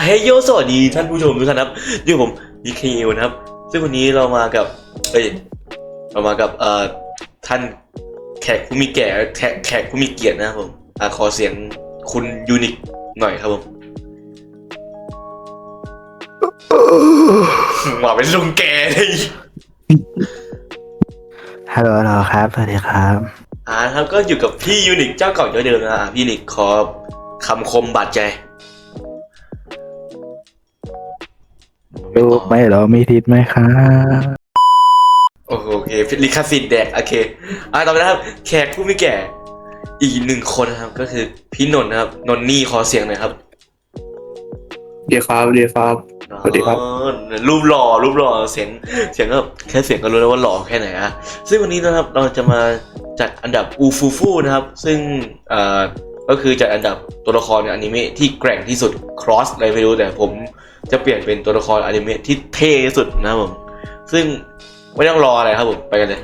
เฮ้ยโยสวัสดีท่านผู้ชมทุกท่านครับอยู่ผมดีเคนะครับซึ่งวันนี้เรามากับเรามากับท่านแขกผู้มีแก่แขกผู้มีเกียรตินะครับผมขอเสียงคุณยูนิคหน่อยครับผมว่าเป็นลุงแกเลยฮัลโหลครับ สวัสดีครับครับก็อยู่กับพี่ยูนิคเจ้าเก่าเจ้าเดิมนะพี่ยูนิคขอคำคมบาดใจรูปไม่หรอมีทิศไหมครับโอเคลิขสิทธิ์แดกโอเคต่อไปนะครับแขกผู้มีแก่อีกหนึ่งคนนะครับก็คือพี่นนท์นะครับนนนี่ขอเสียงหน่อยครับเดียครับเดียครับสวัสดีครับรูปหล่อเสียงก็แค่เสียงก็รู้แล้วว่าหล่อแค่ไหนอะซึ่งวันนี้นะครับเราจะมาจัดอันดับอูฟูฟูนะครับซึ่งก็คือจัดอันดับตัวละครในอนิเมะที่แกร่งที่สุด cross อะไรไม่รู้แต่ผมจะเปลี่ยนเป็นตัวละครอนิเมะที่เท่ที่สุดนะครับผมซึ่งไม่ต้องรออะไรครับผมไปกันเลย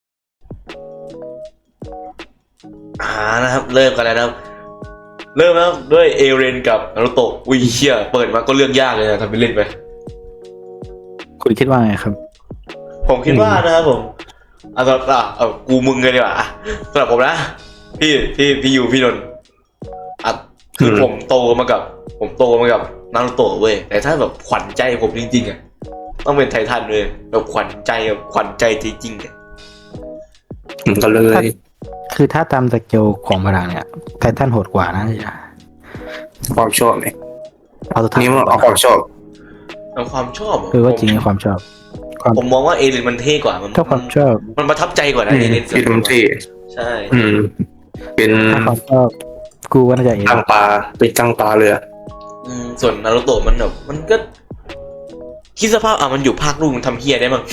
นะครับเริ่มกันแล้วนะครับเริ่มแล้วด้วยเอเรนกับนารุโตะอุ้ยเชี่ยเปิดมาก็เลือกยากเลยนะทำเป็นเล่นไปคุณคิดว่าไงครับผมคิดว่านะครับผมกูมึงเลยดีกว่าสำหรับผมนะพี่ยูพี่นนท์คือผมโตมากับนารุโตะเว้ยแต่ถ้าแบบขวัญใจผมจริงๆอ่ะต้องเป็นไททันเลยแบบขวัญใจจริงๆอ่ะก็เลยคือถ้าตามสเกลของพลังเนี่ยไททันโหดกว่านะจ๊ะความชอบเนี่ยนี่มันเอาความชอบคือว่าจริงความชอบผมมองว่าเอเลนมันเท่กว่าถ้าความชอบมันประทับใจกว่านะเอเลนมันเท่ใช่เป็นความชอบกูว่าน่าจะตั้งตาเป็นตั้งตาเลยส่วนนารุโตะมันแบบมันก็คิดสภาพมันอยู่ภาคลูกมันทำเฮียได้มั้ง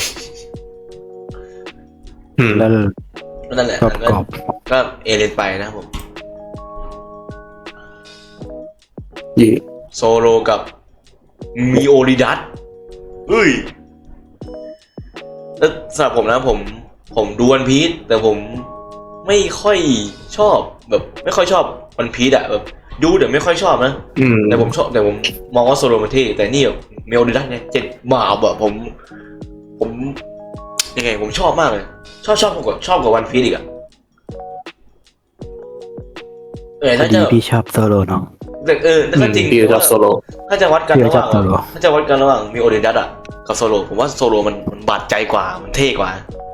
แล้วนั่นแหละก็เอเลนไปนะผมโซโลกับมิโอริดัสแล้วสำหรับผมนะผมดูวันพีซแต่ผมไม่ค่อยชอบแบบไม่ค่อยชอบวันพีซอะแบบดูแต่ไม่ค่อยชอบนะแต่ผมมองว่าโซโลมันเท่แต่นี่แบบมิโอริดัสเนี่ยเจ็ดมาแบบผมยังไงผมชอบมากเลยชอบกว่าวันพีซอีกอะถ้าจะพี่ชอบโซโลเนาะแต่ถ้าจริงถ้าจะวัดกันระหว่างมิโอริดัสอะกับโซโลผมว่าโซโลมันบาดใจกว่ามันเท่กว่า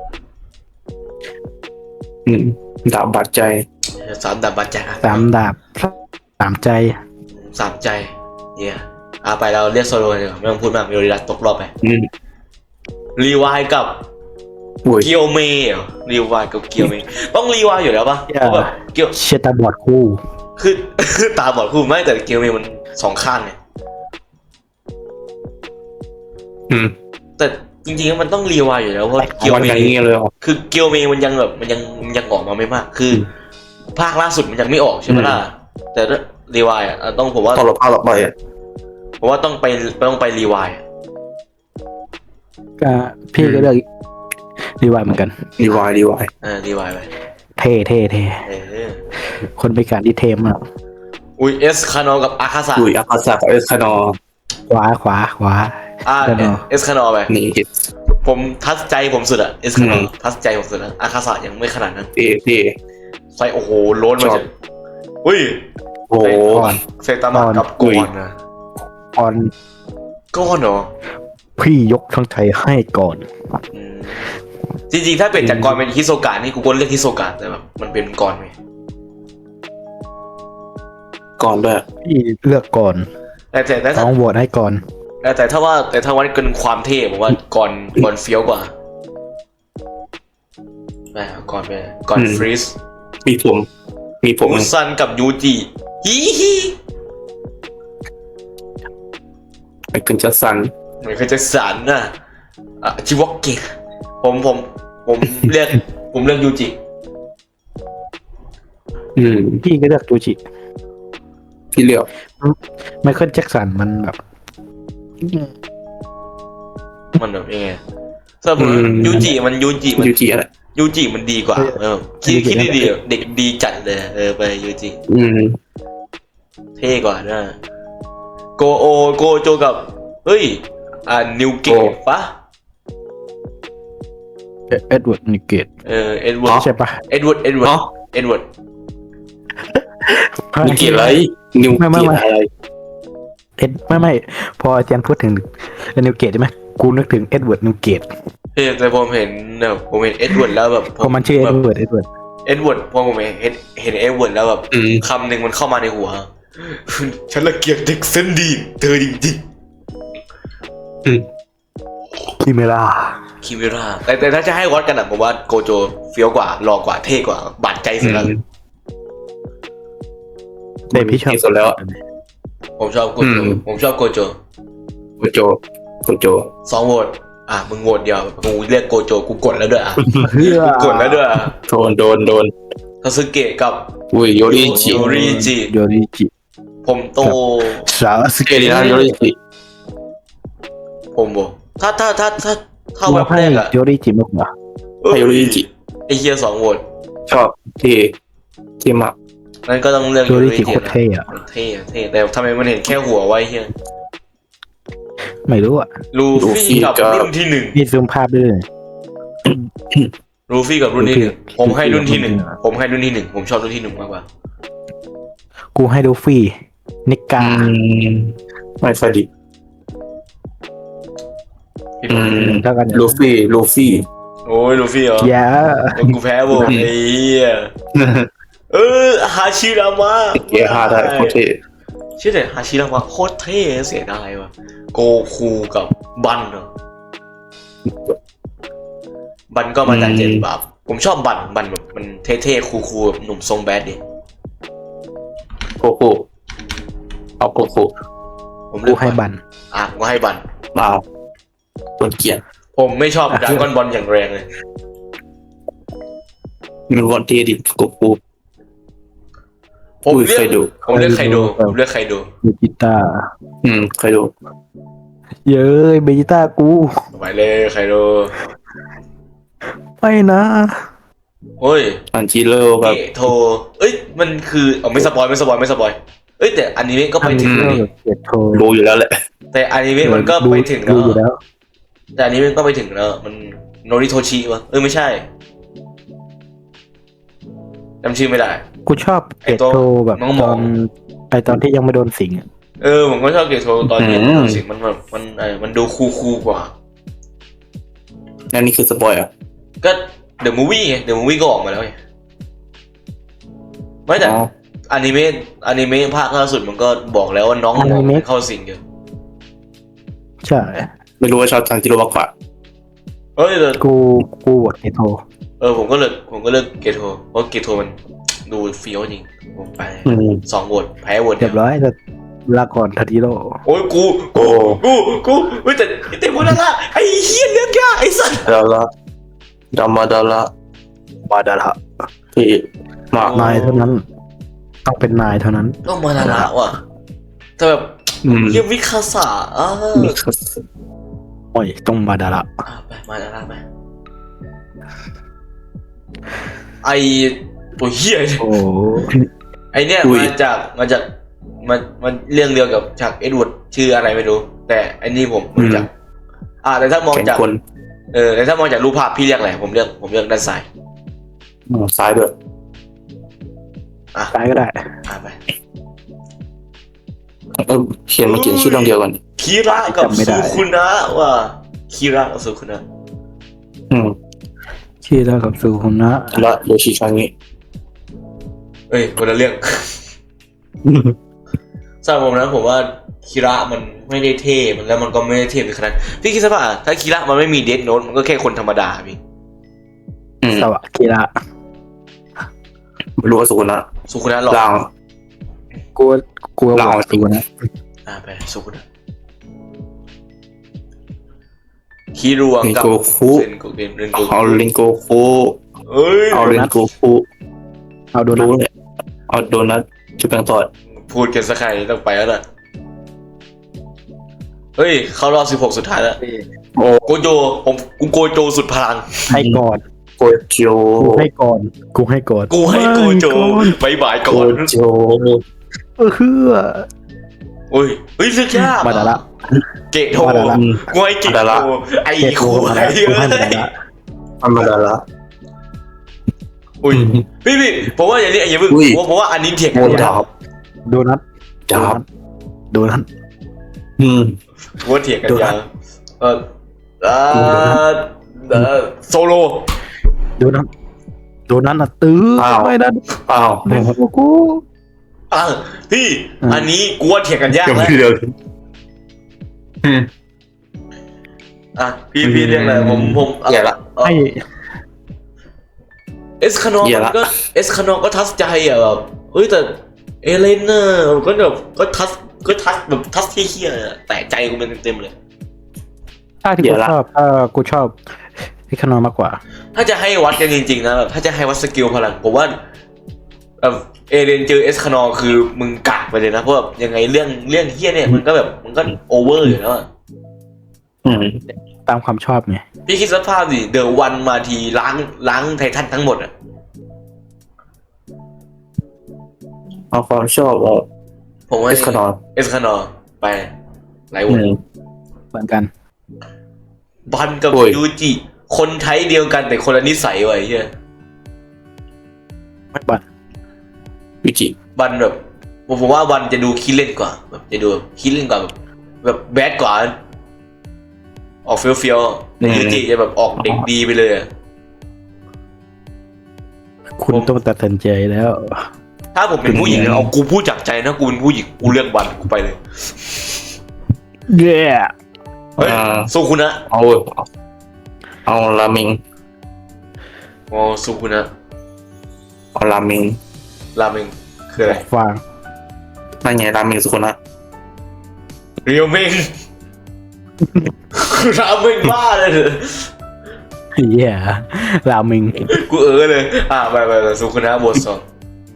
ดาบบาดใจ 3 ดาบบาดใจ 3 ดาบ3 ใจเนี่ยไปเราเรียกโซโลเลยไม่ต้องพูดมากมิโอริดัสตกรอบไปรีวายกับเกียวเมย์รีวายกับเกียวเมย์ต้องรีวายอยู่แล้วปะเพราะแบบเกียวเชตาบอดคู่คือตาบอดคู่ไม่แต่เกียวเมย์มัน2 ข้างไงแต่จริงๆมันต้องรีวายอยู่แล้วเพราะเกียวเมย์คือเกียวเมย์มันยังแบบมันยังออกมาไม่มากคือภาคล่าสุดมันยังไม่ออกใช่ไหมล่ะแต่รีวายต้องผมว่าต่อไปผมว่าต้องไปรีวายก็พี่ก็เลือกรีวายเหมือนกันรีวายไปเท่คนไปการที่เทมอ่ะเอสคานอกับอาคาซากับเอสคานอขวาเอสคานอไปนี่ผมทัดใจผมสุดอะเอสคานอทัดใจผมสุดนะอาคาซายังไม่ขนาดนั้นใส่โอ้โหโล้นมาจากโอ้เซตามะกับก่อนนะก้อนเหรอพี่ยกทั้งใจให้ก่อนจริงๆถ้าเป็นจากก่อนเป็นฮิโซกะนี่กูก็เลือกฮิโซกะแต่แบบมันเป็นก่อนไหมก่อนด้วยพี่เลือกก่อนแต่ต้องโหวตให้ก่อนแต่ถ้าวัดกันความเท่ผมว่าก่อนเฟี้ยวกว่าก่อนฟรีสมีผมมูซันกับยูจิฮิไม่เคยจะสันนะชิวอกเกะผมเลือกยูจิพี่ก็เลือกยูจิพี่เลือกไมเคิลแจ็คสันมันแบบยังไงสำหรับยูจิอะไรยูจิมันดีกว่าคิดดีๆเด็กดีจัดเลยไปยูจิเท่กว่านะโกโจกับเฮ้ยนิวเกตปะเอ็ดเวิร์ดนิเกตเอ็ดเวิร์ดใช่ปะเอ็ดเวิร์ดนิวเกตอะไรนิวเกตอะไรเอ็ดไม่พออาจารย์พูดถึงนิวเกตใช่ไหมกูนึกถึงเอ็ดเวิร์ดนิวเกตแต่ผมเห็นเอ็ดเวิร์ดแล้วแบบเพราะมันชื่อเอ็ดเวิร์ดเอ็ดเวิร์ดพอผมเห็นเอ็ดเวิร์ดแล้วแบบคำหนึ่งมันเข้ามาในหัว ฉันละเกียดเด็กเส้นดีเธอจริงคิเมล่าๆคิมิราแต่ถ้าจะให้วัดกันผมว่าโกโจเฟี้ยวกว่าหล่อกว่าเท่กว่าบาดใจสุดแล้วเดพี่ชอบที่สุดแล้วผมชอบโกโจโกโจ2 โหวตมึงโหวตเดียวกูเรียกโกโจกูกดแล้วด้วยกูกดแล้วด้วยโดนทาสึเกะกับอุ้ยโยริจิโยริจิ ผมโตสาวสเกเกลินาโยริจิผมบอกถ้าเว็บให้แรกอะโยริจิมากกว่าให้โยริจิไอเฮีย2 โหวตชอบที่มากนั่นก็ต้องเลือกโยริจิโคตรเท่อะเท่แต่ทำไมมันเห็นแค่หัวไว้เฮียไม่รู้อะลูฟี่กับรุ่นที่นี่ซูมภาพด้วย 1ลูฟี่กับรุ่นที่1ผมให้รุ่นที่1ผมชอบรุ่นที่1มากกว่ากูให้ดูฟี่นิกาไม่ค่อยดีเท่ากันลูฟี่โอ้ยลูฟี่เหรออย่ากูแพ้วงไอ้เหี้ยฮาชิรามะเกียร์5ได้โคตรเท่ชื่อแต่ฮาชิรามะโคตรเท่เสียดายว่ะโกคูกับบันเหรอบันก็มาจาก7 บาปผมชอบบันแบบมันเท่ๆคูลๆแบบหนุ่มทรงแบดดิโกโก้เอาโกโก้ผมเลืกูอกให้บันผมก็ให้บันมาต้นเกียร์ผมไม่ชอบดราก้อนบอลอย่างแรงเลยมันวันเทดิโกโก้ผมอุ้ยเลือกเคยดูไคโดเบจิต้าเคยดูเย้ยเบจิต้ากูไปเลยไคโดไม่นะโอ้ยอันจิโร่กับเกโทมันคือไม่สปอยแต่อนิเมะก็ไปถึงแล้วนี่เกียรโทรรู้อยู่แล้วแหละแต่อนิเมะมันก็ไปถึงดูอยู่แล้วแต่อนิเมะก็ไปถึงแล้วมันโนริโทชิวะไม่ใช่จำชื่อไม่ได้กูชอบเกียรโทรแบบน้องหมตออนที่ยังไม่โดนสิงอะผมก็ชอบเกโทตอนนี้สิ่งมันแบบมันดูคูลกว่านั่นนี่คือสปอยอ่ะก็เดอะมูฟวี่ก็ออกมาแล้วไงไม่แต่อนิเมะภาคล่าสุดมันก็บอกแล้วว่าน้องหมอเข้าสิงอยู่ใช่ไม่รู้ว่าชอบอันจิโร่มากกว่าแต่กูโหวตเกียรโทรผมก็เลือกเกโทเพราะเกโทมันดูเฟี้ยวจริงผมไป2 โหวตแพ้โหวตเรียบร้อยแต่ลาก่อนทัติโร่โอ้ยกูแต่พวกนั้นละไอ้เหี้ยเลือกยากไอ้สัสดาราดาราบาดาระที่มากนายเท่านั้น ต้องเป็นนายเท่านั้นต้องมาละว่ะแต่แบบเฮียวิคาสะโอ้ยต้องบาดาระไปมาละไปไอตัวเฮียโอ้ไอเนี่ยมาจากมันเรื่องเดียวกับฉากเอ็ดเวิร์ดชื่ออะไรไม่รู้แต่อันนี้ผมรู้จักแต่ถ้ามองจากแต่ถ้ามองจากรูปภาพพี่เรียกอะไรผมเลือกด้านซ้ายซ้ายด้วยซ้ายก็ได้ไปเขียนชื่อเรื่องเดียวกันคีระกับซูคุนะว่ะคีระกับซูคุนะชื่อแล้วกับซูคุนะและโยชิคางิคนละเรื่องสำหรับผมนะผมว่าคีระมันไม่ได้เท่แล้วมันก็ไม่ได้เท่ไปขนาดพี่คิดซะว่าถ้าคีระมันไม่มีเดธโน้ตมันก็แค่คนธรรมดาพี่สวะกีระไม่รู้ว่าสุนะซูคุนะหรอล่างกูว่าซูคุนะไปซูคุนะฮิรวงกับโกคุเซนโกเรนโกเอาลิงโกคุ เอาลิงโกคุเอาโดนัทเอาโดนัทชุบแป้งทอดพูดกันสักใครต้องไปแล้วล่ะเข้ารอบ16สุดท้ายแล้วโกโจกูโกโจสุดพลังให้ก่อนโกโจกูให้ก่อนกูให้โกบายบายโกก่อนโจเฮือโอ้ยเฮ้ยเลือกยากมาดาระเกตโทมาดาระกูให้เกตโทไอ้เกตโทคู่มาไอ้ดาระกูให้มาดาระธรรมดาละอุ้ยพี่ผมว่าอย่างนี้อย่าเพิ่งอุ้ยผมว่าอันนี้เถียงโมกันดาบโดนัทดาบโดนัทอืมผมว่าเถียงกันยาวเออโซโลโดนัทโดนัทน่ะตื้อไม่ได้อ้าวเดี๋ยวกูพี่ อันนี้กูว่าเถียงกันยากยังแล้วไม่เดียวอืมพี่เรียกอะไรผมอย่าละให้เอสคานออย่าละก็เอสคานอก็ทัสใจอ่ะแบบเฮ้ยแต่เอเลนน่ะก็แบบก็ทัสแบบทัสเฮี้ยๆแต่ใจกูเป็นเต็มๆเลยถ้าที่กูชอบกูชอบไอ้ขนมมากกว่าถ้าจะให้วัดกันจริงๆนะแบบถ้าจะให้วัดสกิลพลังผมว่าแบบเอเลนเจอเอสคานอคือมึงกากไปเลยนะเพราะแบบยังไงเรื่องเฮี้ยเนี่ยมันก็แบบมันก็โอเวอร์อยู่แล้วอะอืมตามความชอบไงพี่คิดสภาพดิเดอะวันมาทีล้างไททันทั้งหมดอ่ะเอาความชอบเอาผมว่าเอสคานอนเอสคานอไปหลายอืวันมเหมือนกันบันกับโอ้ยยูจิคนไทยเดียวกันแต่คนละนิสัยว่ะไอ้เฮียไม่บันวิจิบันแบบผมว่าบันจะดูขี้เล่นกว่าแบบจะดูขี้เล่นกว่าแบบแบดกว่าออกเฟี้ยวๆยูจิจะแบบออกเด็กดีไปเลยอะคุณต้องตัดสินใจแล้วถ้าผมเป็นผู้หญิงนะเอากูพูดจากใจนะกูเป็นผู้หญิงกูเลือกบันกูไปเลยเย้เฮ้ยสู้คุณนะเอารามิงอ๋อสู้คุณนะเอารามิงราเมงคืออะไรฟางนั่นไงรามิงสุขุนะเรียวเมง ราเมงบ้าเลยเถอะเย้รามิงกูเลยไปสู้คุณนะบทสอง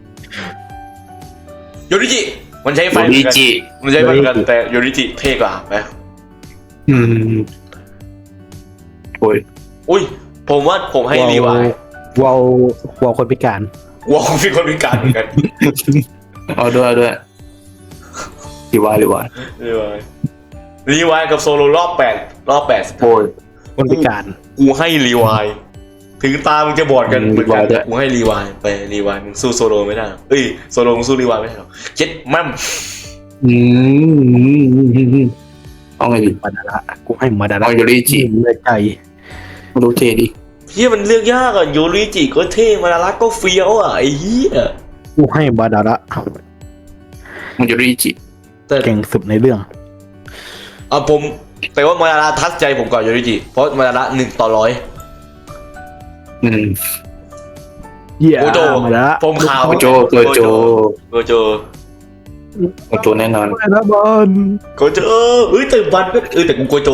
โยริจิมันใช้ไฟเหมือนกันมันใช้ไฟเหมือนกันแต่โยริจิเท่กว่าไหมอืมโอ้ยอุ้ยผมว่าผมให้รีวายวอลคนพิการวอลเป็นคนพิการเหมือนกันเอาด้วยรีวายรีวายกับโซโลรอบแปดโอ้ยคนพิการกูให้รีวายถึงตามึงจะบอดกันเหมือนกันรีวายด้วยกูให้รีวายไปรีวายมึงสู้โซโลไม่ได้เอ้ยโซโลมึงสู้รีวายไม่ได้หรอกเจ็ดมั่มอืมเอาไงดีมาดาระกูให้มาดาระเอาโยริจิเลยใจไม่รู้เทดิเฮียมันเลือกยากอ่ะโยริจิก็เท่มาลารักก็เฟี้ยวอ่ะไอ้เหี้ยกูให้มาดาระมันโยริจิแต่เก่งสุดในเรื่องผมแต่ว่ามาลาทัดใจผมก่อนโยริจิเพราะมาลา1/100 อืมเย้โกโจมาดาระผมขาวโกโจโกโจแน่นอนมาดาระบอลโกโจแต่บันก็แต่กูโกโจ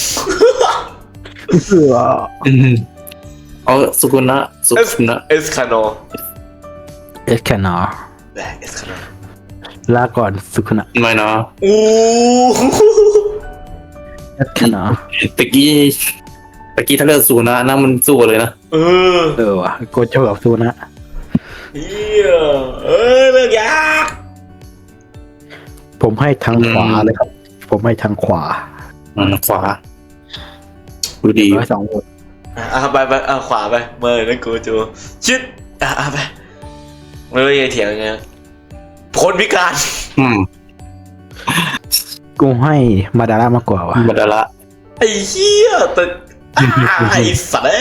เสืออืมเอาสุกุนะเอสคาโนเอสแคนอแบกเอสคาโนลาก่อนสุขนะไม่นะอู้เอสแคนอตะกี้ถ้าเลือกสุกุนะนั่นมันสู้เลยนะว่ะโกโจกับซูนะเฮียเลือกยากผมให้ทางขวาเลยครับ ผมให้ทางขวาขวาดูดี 102 โหวตไปขวาไปเมื่อนะโกโจชิดไปไม่รู้จะเถียงยังไงคนพิการอืมกูให้มาดาระมากกว่าว่ะมาดาระไอ้เหี้ยแต่ไอ้สัตว์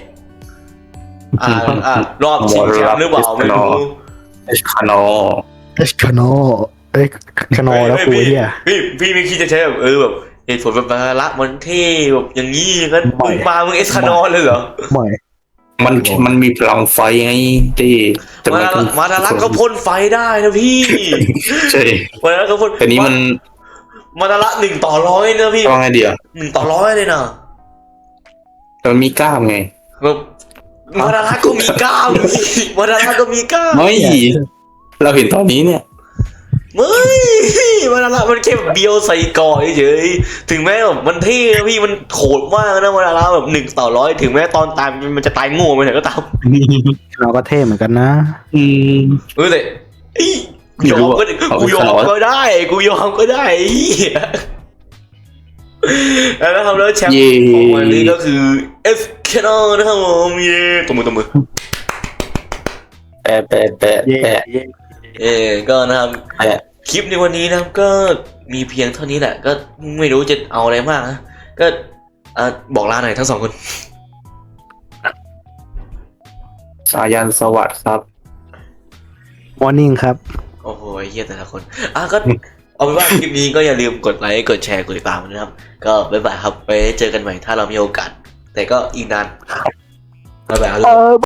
รอบชิงแชมป์หรือเปล่าไม่รู้เอชคานอเอสคานอเอ้ยคานอแล้วกูเฮียพี่ไม่คิดจะใช้แบบแบบเหตุผลแบบมาละมันเท่แบบอย่างนี้อย่างนั้นไม่มึงเอสคานอเลยเหรอไม่มันมีพลังไฟไงที่แต่มาดารักก็พ่นไฟได้นะพี่ใช่มาดารักก็พ่นแต่นี้มันมาดารัก1/100นะพี่ต้องไงเดียว 1/100เลยนะมันมีกล้ามไงแบบมาดารักก็มีกล้ามมาดารักก็มีกล้ามไม่เราเห็นตอนนี้เนี่ยไม่มาดารักมันแค่แบบเบียวใส่ก่อเฉยถึงแม้แบบมันเท่นะพี่มันโหดมากนะมาดารักแบบ1/100ถึงแม้ตอนตายมันจะตายโง่ไปไหนก็ตามคานอก็เท่เหมือนกันนะอืมแต่ยอมก็ได้กูยอมก็ได้กูยอมก็ได้ไอ้เหี้ยแล้วนะครับแล้วแชมป์ของวันนี้ก็คือ F Canon นะครับผมเย้ตบมือแปะแปะแปะเย่แปะเย่ก็นะครับแปะคลิปในวันนี้นะครับก็มีเพียงเท่านี้แหละก็ไม่รู้จะเอาอะไรมากนะก็บอกลาหน่อยทั้งสองคนสายันสวัสดิ์ครับมอร์นิ่งครับโอ้โหเฮียแต่ละคนก็เอาเป็นว่าคลิปนี้ก็อย่าลืมกดไลค์กดแชร์กดติดตามนะครับ ก็บ๊ายบายครับไปเจอกันใหม่ถ้าเรามีโอกาส แต่ก็อีกนานบ๊ายบายครับ